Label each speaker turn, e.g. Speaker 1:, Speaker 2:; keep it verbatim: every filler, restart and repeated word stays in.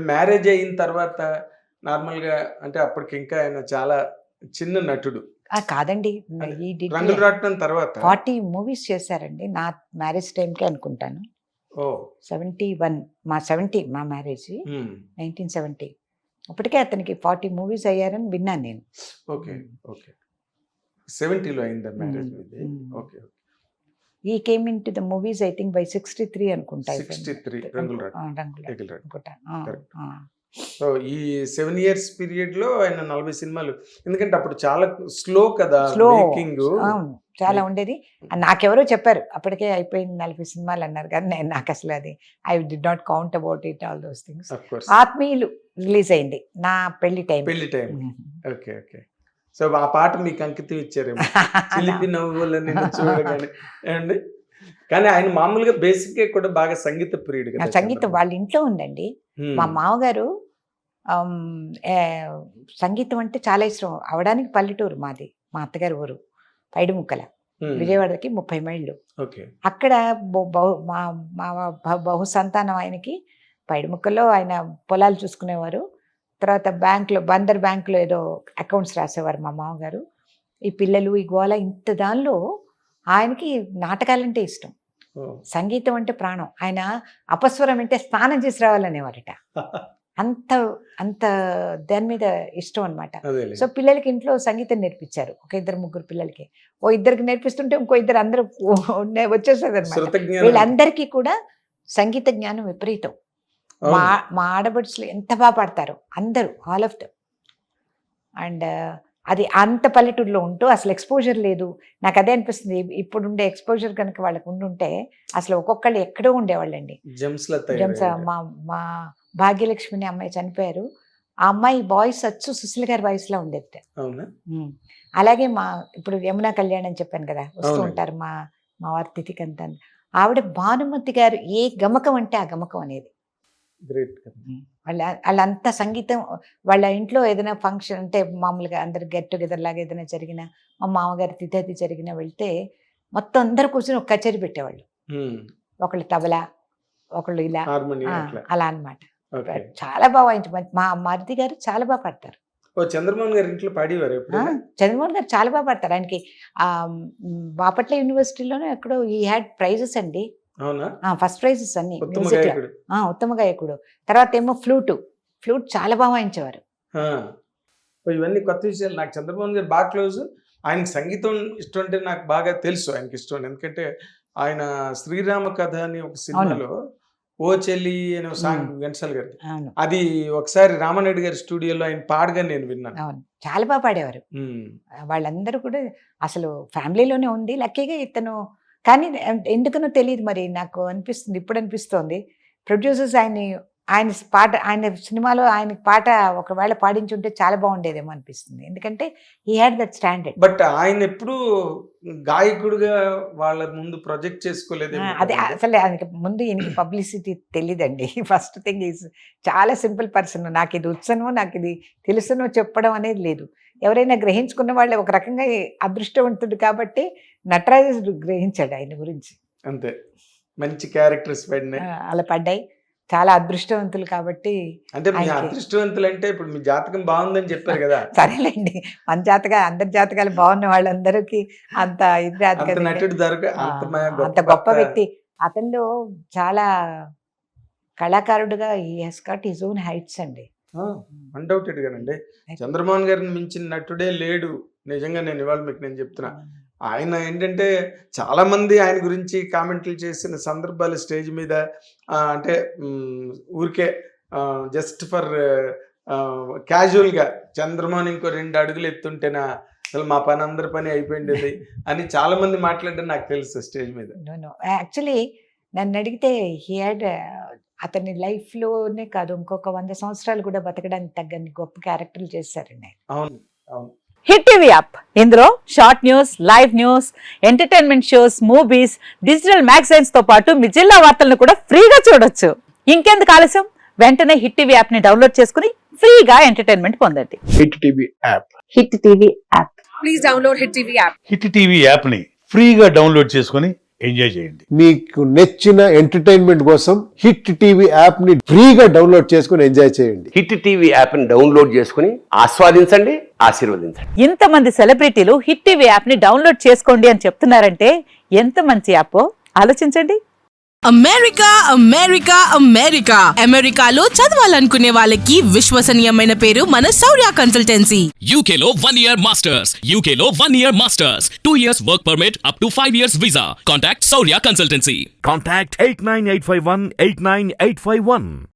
Speaker 1: Marriage అయిన తర్వాత నార్మల్గా అంటే అప్పటికి ఇంకా ఆయన చాలా చిన్న నటుడు.
Speaker 2: ఆ, కాదండి, ఈ
Speaker 1: రంగులు రాట్నం తర్వాత
Speaker 2: ఫార్టీ మూవీస్ చేశారండి నా మ్యారేజ్ టైంకి అనుకుంటాను.
Speaker 1: ఓ
Speaker 2: సెవెంటీ వన్ మా సెవెంటీ మా మ్యారేజ్
Speaker 1: మ్మ్.
Speaker 2: Nineteen seventy. అప్పటికే అతనికి ఫార్టీ మూవీస్ అయ్యారని విన్నాను నేను.
Speaker 1: ఓకే ఓకే సెవెంటీలో అయిందా మ్యారేజ్ మీది?
Speaker 2: Hmm.
Speaker 1: Okay
Speaker 2: he came into the movies I think by sixty three అనుకుంటా.
Speaker 1: సిక్స్టీ త్రీ రంగులు
Speaker 2: ఆ,
Speaker 1: రాట్నం
Speaker 2: రంగుల
Speaker 1: ఎగిల్ రాట్నం.
Speaker 2: అనుకుంటా.
Speaker 1: Correct.
Speaker 2: ఆ,
Speaker 1: సో ఈ సెవెన్ ఇయర్స్ పీరియడ్ లో ఆయన నలభై సినిమాలు, ఎందుకంటే అప్పుడు చాలా స్లో కదా
Speaker 2: స్లో,
Speaker 1: మేకింగ్.
Speaker 2: అవును, చాలా ఉండేది. నాకెవరో చెప్పారు అప్పటికే అయిపోయింది నలభై సినిమాలు అన్నారు, కానీ నేను నాకు అసలు అది I did not count about it all those things.
Speaker 1: Of course
Speaker 2: ఆత్మీయులు రిలీజ్ అయింది నా పెళ్లి టైం.
Speaker 1: పెళ్లి టైం. ఓకే ఓకే సో ఆ పాట మీకు అంకితం ఇచ్చారేమో, చిలిపి నవ్వుల నిన్ను చూడగానే ఏమండి. కానీ ఆయన మామూలుగా బేసిక్ గా కూడా బాగా సంగీత ప్రియుడు
Speaker 2: నా
Speaker 1: కదా.
Speaker 2: సంగీతం వాళ్ళ ఇంట్లో ఉందండి.
Speaker 1: హ్మ్.
Speaker 2: మా మామగారు ఆమ్, ఏ, సంగీతం అంటే చాలా ఇష్టం. అవడానికి పల్లెటూరు మాది, మా అత్తగారి ఊరు పైడిముక్కల,
Speaker 1: హ్మ్.
Speaker 2: విజయవాడకి ముప్పై మైళ్ళు.
Speaker 1: ఓకే
Speaker 2: అక్కడ బహు- బహు- మా మా బహు- బహు సంతానం ఆయనకి పైడిముక్కల్లో ఆయన పొలాలు చూసుకునేవారు. తర్వాత బ్యాంకులో, బందర్ బ్యాంకులో ఏదో అకౌంట్స్ రాసేవారు మా మామగారు. ఈ పిల్లలు ఈ గోల ఇంత దానిలో ఆయనకి నాటకాలంటే ఇష్టం,
Speaker 1: ఓ.
Speaker 2: సంగీతం అంటే ప్రాణం. ఆయన అపస్వరం అంటే స్నానం చేసి రావాలనేవారట. అంత అంత దాని మీద ఇష్టం అనమాట.
Speaker 1: అదేలే.
Speaker 2: సో పిల్లలకి ఇంట్లో సంగీతం నేర్పించారు, ఒక ఇద్దరు ముగ్గురు పిల్లలకి. ఓ ఇద్దరికి నేర్పిస్తుంటే ఇంకో ఇద్దరు అందరూ వచ్చేసేది అనమాట.
Speaker 1: శృత జ్ఞానం.
Speaker 2: వీళ్ళందరికీ కూడా సంగీత జ్ఞానం విపరీతం. మా
Speaker 1: అవును.
Speaker 2: మా ఆడబడుచులు ఎంత బాగా పాడతారు అందరూ, ఆల్ ఆఫ్ దమ్. అండ్ అది అంత పల్లెటూరులో ఉంటూ అసలు ఎక్స్పోజర్ లేదు. నాకు అదే అనిపిస్తుంది, ఇప్పుడుండే ఎక్స్పోజర్ కనుక వాళ్ళకు ఉండుంటే అసలు ఒక్కొక్కళ్ళు ఎక్కడో ఉండేవాళ్ళండి.
Speaker 1: జెమ్స్ లా
Speaker 2: జమ్స్
Speaker 1: తయారయ్యారు.
Speaker 2: మా మా భాగ్యలక్ష్మి అనే అమ్మాయి చనిపోయారు. ఆ అమ్మాయి వాయిస్ వచ్చు సుశీల్ గారి వాయిస్ లా ఉండేది.
Speaker 1: అవునా?
Speaker 2: ఉమ్. అలాగే మా ఇప్పుడు యమునా కళ్యాణ్ అని చెప్పాను కదా, వస్తూ
Speaker 1: అవునండి.
Speaker 2: ఉంటారు మా మా వారి తిథికి అంతా. ఆవిడ భానుమతి గారు ఏ గమకం అంటే ఆ గమకం అనేది.
Speaker 1: గ్రేట్.
Speaker 2: వాళ్ళ వాళ్ళంతా సంగీతం. వాళ్ళ ఇంట్లో ఏదైనా ఫంక్షన్ అంటే మామూలుగా అందరు గెట్ టుగెదర్ లాగా ఏదైనా జరిగినా, మా మామగారి తిథి అది జరిగినా వెళ్తే మొత్తం అందరు కూర్చొని ఒక కచేరీ పెట్టేవాళ్ళు. ఒకళ్ళు తబలా, ఒకళ్ళు ఇలా,
Speaker 1: హార్మోనియం
Speaker 2: ఆ,
Speaker 1: అట్లా.
Speaker 2: అలా అన్నమాట.
Speaker 1: ఓకే.
Speaker 2: చాలా బాగా వాయించ మా మరిది గారు చాలా బాగా పాడతారు.
Speaker 1: ఓ చంద్రమోహన్ గారి ఇంట్లో పాడేవారు
Speaker 2: ఆ,
Speaker 1: ఎప్పుడైనా?
Speaker 2: చంద్రమోహన్ గారు చాలా బాగా పాడతారు. ఆయనకి ఆ మ్, బాపట్ల యూనివర్సిటీలోనే ఎక్కడో ఈ హ్యాడ్ ప్రైజెస్ అండి,
Speaker 1: అవునా?
Speaker 2: ఫస్ట్ ప్రైజెస్ అన్ని
Speaker 1: ఉత్తమ
Speaker 2: మ్యూజిక్ లో.
Speaker 1: గాయకుడు.
Speaker 2: ఆ, ఉత్తమ గాయకుడు. తర్వాత ఏమో ఫ్లూటు, ఫ్లూట్ చాలా బాగా వాయించేవారు.
Speaker 1: ఆ. ఓ ఇవన్నీ కొత్త విషయాలు. నాకు చంద్రమోహన్ గారు బాగా క్లోజ్. ఆయనకి సంగీతం ఇష్టం అంటే నాకు బాగా తెలుసు ఆయనకి ఇష్టం అని. ఎందుకంటే ఆయన శ్రీరామ కథ అని ఒక సినిమాలో ఓ చెల్లి అనే ఒక సాంగ్ ఘంటసాల గారి,
Speaker 2: అవును
Speaker 1: అది ఒకసారి రామారెడ్డి గారి స్టూడియోలో ఆయన పాడగా నేను విన్నాను.
Speaker 2: అవును చాలా బాగా పాడేవారు.
Speaker 1: ఉమ్.
Speaker 2: వాళ్ళందరూ కూడా అసలు ఫ్యామిలీలోనే ఉంది. లక్కీగా ఇతను, కానీ ఎందుకనో తెలియదు మరి, నాకు అనిపిస్తుంది, ఇప్పుడు అనిపిస్తోంది ప్రొడ్యూసర్స్ ఆయన్ని ఆయన పాట ఆయన సినిమాలో ఆయన పాట ఒకవేళ పాడించుంటే చాలా బాగుండేదేమో అనిపిస్తుంది. ఎందుకంటే he had that standard.
Speaker 1: But ఆయన ఎప్పుడు గాయకుడిగా వాళ్ళ ముందు ప్రొజెక్ట్ చేసుకోలేదేమో
Speaker 2: అదే
Speaker 1: కదండి?
Speaker 2: అసలు ఆయనకి ముందు ఈయనకి పబ్లిసిటీ తెలియదండి. ఫస్ట్ థింగ్ ఈజ్ చాలా సింపుల్ పర్సన్. నాకు ఇది వచ్చనో నాకు ఇది తెలుసునో చెప్పడం అనేది లేదు. ఎవరైనా గ్రహించుకున్న వాళ్ళు ఒక రకంగా అదృష్టవంతుడు కాబట్టి నటరాజు గ్రహించాడు ఆయన గురించి.
Speaker 1: అంతే, మంచి క్యారెక్టర్స్ పడినాయి.
Speaker 2: ఆ, అలా పడ్డాయి. చాలా అదృష్టవంతులు కాబట్టి.
Speaker 1: అంటే మీ
Speaker 2: ఆయనకి-
Speaker 1: అదృష్టవంతులు అంటే ఇప్పుడు మీ జాతకం బాగుందని చెప్పారు కదా,
Speaker 2: సరేలేండి, మన జాతకాలు అందరి జాతకాలు బాగున్న వాళ్ళందరికీ అంత ఇది రాదు
Speaker 1: అంత
Speaker 2: కదండి.
Speaker 1: నటుడు దొరక
Speaker 2: ఆ,
Speaker 1: అంత మ-
Speaker 2: అంత గొప్ప వ్యక్తి. అతనిలో చాలా కళాకారుడుగా ఈ he's got his own heights అండి.
Speaker 1: అన్డౌటెడ్ గానండి. చంద్రమోహన్ గారిని మించిన నటుడే లేడు. నిజంగా నేను ఇవాళ మీకు నేను చెప్తున్నా. ఆయన ఏంటంటే చాలా మంది ఆయన గురించి కామెంట్లు చేసిన సందర్భాలు స్టేజ్ మీద, ఆ, అంటే మ్, ఊరికే జస్ట్ ఫర్ క్యాజువల్గా చంద్రమోహన్ ఇంకో రెండు అడుగులు ఎత్తుంటేనా అసలు మా పని అందరి పని అయిపోయింది అని చాలా మంది మాట్లాడడం నాకు తెలుసు స్టేజ్ మీద.
Speaker 2: యాక్చువల్లీ నన్ను అడిగితే హీ హ్యాడ్, అతని లైఫ్లోనే కాదు ఇంకొక వంద సంవత్సరాలు కూడా బతకడానికి తగ్గని గొప్ప క్యారెక్టర్లు చేశారండి ఆయన.
Speaker 1: అవును అవును.
Speaker 3: హిట్ టీవీ యాప్, ఇందులో short news, live news, entertainment shows, movies, digital magazines తో పాటు మీ జిల్లా వార్తలను కూడా ఫ్రీగా చూడొచ్చు. ఇంకెందుకు ఆలస్యం, వెంటనే హిట్ టీవీ యాప్ ని డౌన్లోడ్ చేసుకుని ఫ్రీగా ఎంటర్టైన్మెంట్ పొందండి.
Speaker 4: Hit TV app.
Speaker 3: Hit TV app.
Speaker 5: Please download Hit T V app.
Speaker 4: Hit TV యాప్ని ఫ్రీగా డౌన్లోడ్ చేసుకొని ఎంజాయ్ చేయండి.
Speaker 5: మీకు నచ్చిన ఎంటర్టైన్మెంట్ కోసం హిట్ టీవీ యాప్ ని ఫ్రీగా డౌన్లోడ్ చేసుకుని ఎంజాయ్ చేయండి.
Speaker 6: హిట్ టీవీ యాప్ని డౌన్లోడ్ చేసుకుని ఆస్వాదించండి, ఆశీర్వదించండి.
Speaker 3: ఇంతమంది సెలబ్రిటీలు హిట్ టీవీ యాప్ ని డౌన్లోడ్ చేసుకోండి అని చెప్తున్నారంటే ఎంత మంచి యాప్ ఆలోచించండి.
Speaker 7: అమెరికా అమెరికా అమెరికా అమెరికాలో చదవాలనుకునే వాళ్ళకి విశ్వసనీయమైన పేరు మన శౌర్య కన్సల్టెన్సీ.
Speaker 8: U K లో one year masters, U K లో one year masters, two years work permit up to five years visa. Contact Saurya Consultancy.
Speaker 4: Contact eight nine eight five one eight nine eight five one.